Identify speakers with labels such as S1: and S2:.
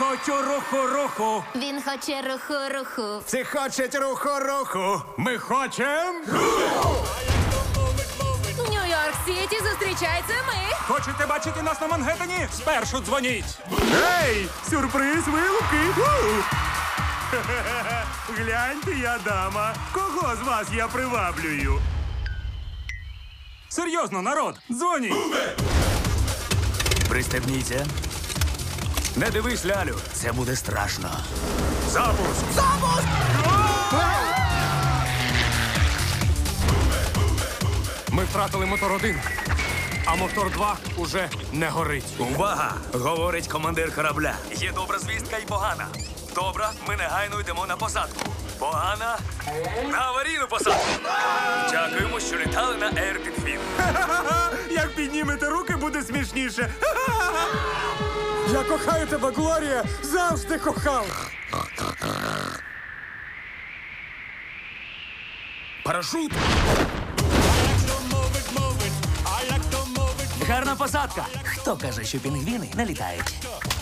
S1: хочу руху-руху.
S2: Він хоче руху-руху.
S3: Всі хочуть руху-руху.
S1: Ми хочем.
S2: Нью-Йорк-Сіті зустрічається ми.
S1: Хочете бачити нас на Мангеттені? Спершу дзвоніть.
S3: Ей, сюрприз вилупки. Гляньте, я дама. Кого з вас я приваблюю?
S1: Серйозно, народ, дзвоніть.
S4: Пристебніться. Не дивись, лялю, це буде страшно.
S3: Запуск!
S1: Ми втратили мотор 1, а мотор 2 уже не горить.
S4: Увага! Говорить командир корабля. Є добра звістка і погана. Добра, ми негайно йдемо на посадку. Погана – на аварійну посадку. Дякуємо, що літали на Air Pingvin.
S3: Як піднімете руки, буде смішніше.
S1: Я кохаю тебе, Глорія! Завжди кохав!
S4: Парашут! Гарна посадка. Хто каже, що пінгвіни не літають?